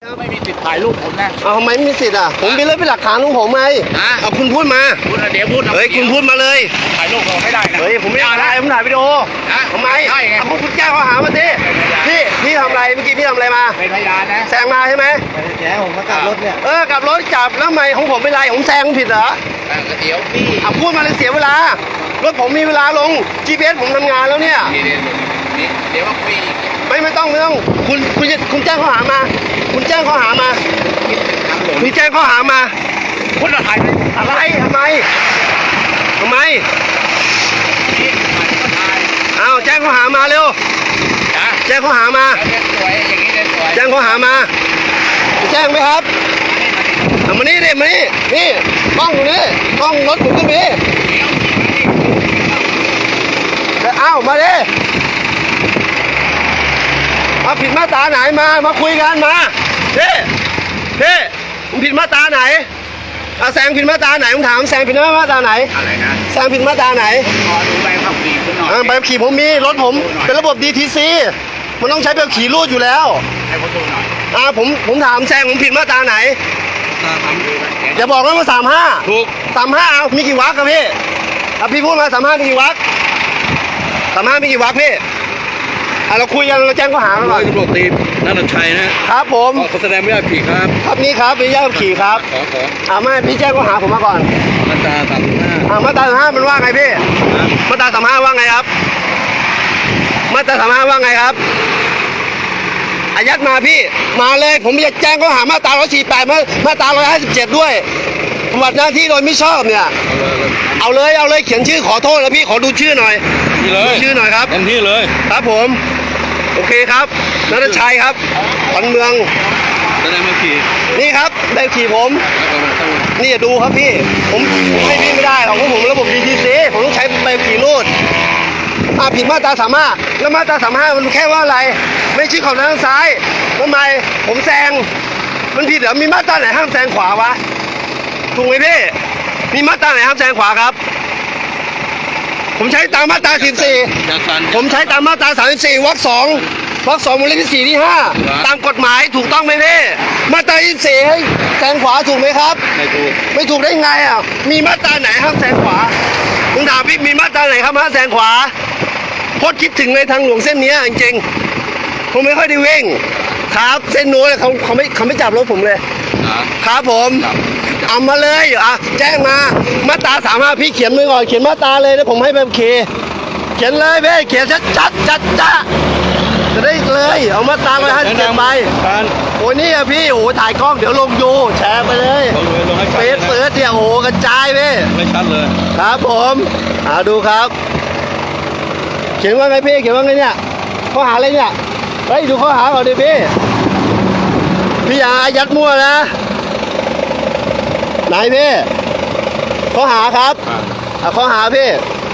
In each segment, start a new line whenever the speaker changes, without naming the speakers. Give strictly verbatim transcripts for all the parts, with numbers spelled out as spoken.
ไม่มีสิทธิ์ถ่ายรูปผมนะ
เอาทำไมไม่มีสิทธิ์อ่ะผมมีเรื่องเป็นหลักฐานของผมไงเอาคุณพูดมา
คุณเดี๋ยวพูด
เฮ้ยคุณพูดมาเลย
ถ่ายรูปเราไม่ได้นะ
เฮ้ยผมไม่ได้ผมถ่ายวิดีโอทำไม
ใช่ไง
คุณแจ้งข้อหามาสิพี่พี่ทำอะไรเมื่อกี้พี่ทำอะไรมา
เป็นพยานนะ
แซงมาใช่ไหม
แกผมมากลับรถเนี่ย
เออกลับรถจับแล้วทำไมของผมเป็นไรผมแซงผิดเหรอ
เดี๋ยวพี่
เอาพูดมาเลยเสียเวลารถผมมีเวลาลง จี พี เอส ผมทำงานแล้วเนี่ย
เดี๋ยวว่าพี่
ไม่ไม่ต้องไม่ต้องคุณคุณคุณแจ้งข้อหามาคุณแจ้งข้อหามาคุณแจ้งข้อหามา
คุณจะถ่าย
อะไรทำไมทำไมเอาแจ้งข้อหามาเร็วแจ้งข้อหามาแจ้งข้อหามาแจ้งไหมครับเอามานี่ดิมานี่นี่กล้องอยู่นี่กล้องรถผมก็มีเอามาดิมาผิดมาตราไหนมามาคุยกันมาเฮ้เฮ้ผมผิดมาตราไหนเอาแซงผิดมาตราไหนผมถามแซงผิดมาตราไหน
อะไรนะ
แซงผิดมาตราไหน
ขอดูใบขับขี่คุณหน่อย
ใบขับขี่ผมมีรถผมเป็นระบบ ดี ที ซี มันต้องใช้ใบขับขี่รูดอยู่แล้ว
ให้ผมดูหน่อย
อ่าผมผมถามแซงผมผิดมาตราไหนอย่าบอกว่ามาสามห้า
ถูก
สามห้าเอามีกี่วรรคครับพี่อ่ะพี่พูดมาสามห้ามีกี่วรรคสามห้ามีกี่วรรคพี่อ่ะเราคุยกันเราแจ้งข้อหา
หน่อยตำรวจตีนันทชัยนะครับ
ผม
ขอแสดงไม่ได้ขี่ครับ
ครับนี่ครับมีญาติขี่ครับ
ขอขอ
อ่าไม่พี่แจ้งข้อหาผมมาก่อน
มาตราสามห้า
อ่ามาตราสามห้ามันว่าไงพี่มาตราสามห้าว่าไงครับมาตราสามห้าว่าไงครับอายัดมาพี่มาเลยผมจะแจ้งข้อหามาตราร้อยสี่แปดมามาตราร้อยห้าสิบเจ็ดด้วยปฏิบัติหน้าที่โดยไม่ชอบเนี่ยเอาเลยเอาเลยเขียนชื่อขอโทษแล้วพี่ขอดูชื่อหน่อย
นี่เลย
ชื่อหน่อยครับ
เต็มที่เลย
ครับผมโอเคครับนัทชัยครับขวัญเมือง
แสดงมาขี่
นี่ครับได้ขี่ผมนี่ดูครับพี่ผมให้พี่ไม่ได้หรอกเพราะผมระบบ ดี ที ซี ผมต้องใช้ใบขี่รูดอ่าผิดมาตราสามห้าแล้วมาตราสามห้ามันแค่ว่าอะไรไม่ชี้ขอบทางซ้ายทำไมผมแซงมันผิดเหรอมีมาตราไหนห้ามแซงขวาวะถูกไหมพี่มีมาตราไหนห้ามแซงขวาครับผมใช้ตามมาตราสิบสี่ผมใช้ตามมาตราสามสิบสี่วรรคสองวรรคสองวงเล็บที่สี่ที่ห้าตามกฎหมายถูกต้องไหมพี่มาตรายี่สิบสี่ให้แซงขวาถูกไหมครับ
ไม่ถูก
ไม่ถูกได้ไงอ่ะมีมาตราไหนห้ามแซงขวาผมถามพี่มีมาตราไหนครับห้ามแซงขวาพดคิดถึงในทางหลวงเส้นนี้จริงๆผมไม่ค่อยได้วิ่งครับเส้นนู้นเขาเขาไม่เขาไม่จับรถผมเลยครับผมเอามาเลยอ่ะแจ้งมามาตราสามห้าพี่เขียนมือก่อนเขียนมาตราเลยแล้วผมให้แบบเคเขียนเลยพี่เขียนชัดชัดชัดจ้าจะได้เลยเอามาตราไปให้เก็บไปโอ้ยนี่อะพี่โอ้ถ่ายกล้องเดี๋ยวลงยูแชร์ไปเลยเฟซเฟิร์สเนี่ยโอ้กระจายพี่
ไม่ชัดเลย
ครับผมอ่าดูครับเขียนว่าไงพี่เขียนว่าไงเนี่ยข้อหาอะไรเนี่ยเฮ้ยดูข้อหาก่อนดิพี่พี่อย่ายัดมั่วนะไหนพี่ข้อหาครับอ่ะข้อหาพี่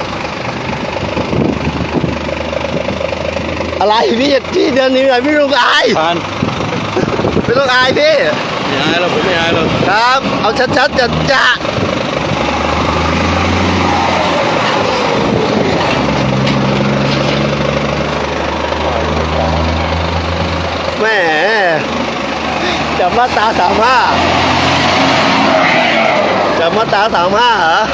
อะไรพี่พี่เดินหนีหน่อยพี่ต้องอายไม่ต้องอายพี่
ไม่อายเราผมไม่อายเรา
ครับเอาชัดๆจัดจ้าแม่จับมาตราสามห้าจับมาตราสามห้าเหรอ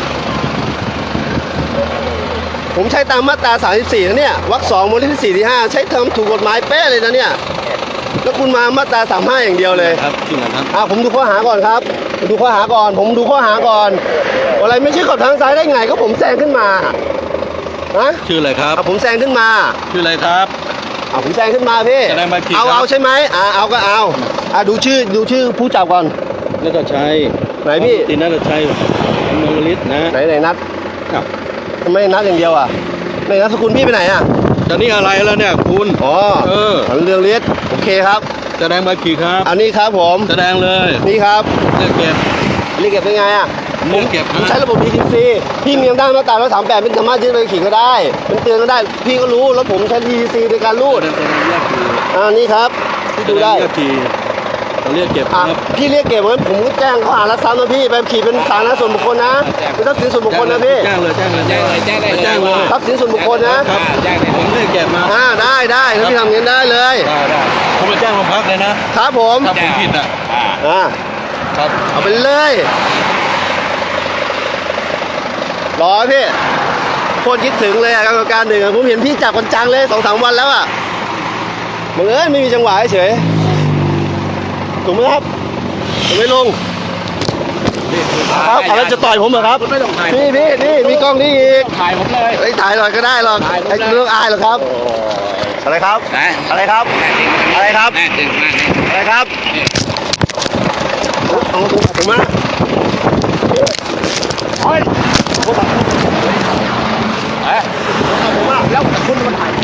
ผมใช้ตามมาตราสามสิบสี่นะเนี่ยวรรคสองวงเล็บที่สี่ที่ห้าใช้ทำถูกกฎหมายเป๊ะเลยนะเนี่ยแล้วคุณมามาตราสามห้าอย่างเดียวเลย
ครับจริงครับ
อ่าผมดูข้อหาก่อนครับผมดูข้อหาก่อนผมดูข้อหาก่อนอะไรไม่ใช่ขอบทางซ้ายได้ไงก็ผมแซงขึ้นมาฮะ
ชื่ออะไรครับ
ผมแซงขึ้นมา
ชื่ออะไรครับ
เอาผมแซงขึ้นมาพี่เอาเอาใช่ไหมอ่าเอาก็เอาอ่าดูชื่อดูชื่อผู้จับก่อน
นัทชัย
ไหนพี่
ตีนัทชัยเมืองฤทธิ์นะ
ไหนไหนนัทครับทำไมนัทอย่างเดียวอ่ะในนัทสกุลพี่ไปไหนอ่ะ
ตอนนี้อะไรแล้วเนี่ยคุณ
อ๋อเออเรื่องฤทธิ์โอเคครับ
แสดงใบขี่ครับ
อันนี้ครับผม
แสดงเลย
นี่ครับ
เรียกเก็บ
เรียกเก็บเป็นไงอ่ะ
ผมเก็บ
ผมใช้ระบบ ดี ที ซี พี่มีอำนาจมาตราร้อยสามแปดเป็นสามารถยึดใบขี่ก็ได้เป็นเตือนก็ได้พี่ก็รู้แล้วผมใช้ ดี ที ซี ในการรูดอ่านี่ครับพี่ดูได้
เรียกเก็บครับ
พี่เรียกเก็บเหมือนผมก็แจ้งข้อหารักทรัพย์นะพี่ใบขี่เป็นสาธารณะส่วนบุคคลนะเป็นทรัพย์สินส่วนบุคคลนะพี่
แจ้งเลยแจ้งเลยแจ้งเลยแจ้งเลยแจ้งเลย
ทรัพย์สินส่วนบุคคลนะครับ
แจ้งเลยผมเรียกเก็บมา
อ่าได้ได้ถ้าพี่ทำอย่างนี้ได้เลย
ได้ได้ผมไปแจ้งโรงพักเลยนะครับ
ผม
ถ้าผมผิดอ่ะ
อ่า
อ่า
ครับ
เอาไปเลย รอพี่โคตรคิดถึงเลยอะกรรมการหนึ่งอะผมเห็นพี่จับกันจังเลยสองสามวันแล้วอะบังเอิญไม่มีจังหวะเฉยถูกไหมครับถูกไหมลุงครับอะไรจะต่อยผมเหรอครับ
ไม่ต้องถ่าย
พี่พี่นี่มีกล้องนี่อีก
ถ่ายผมเลย
ไอ้ยถ่ายหน่อยก็ได้หรอก
ถ่ายผม
ไอ้
เลย
เรื่องอายหรอกครับ อะไรครับ
นะ
อะไรครับ อะไรครับ
แน่จริงมาก
อะไรครับ
นี่
เอาผมผมมาโอ้ยผมมา
เอ๊ะ
ผมมาแล้วคุณมาถ่าย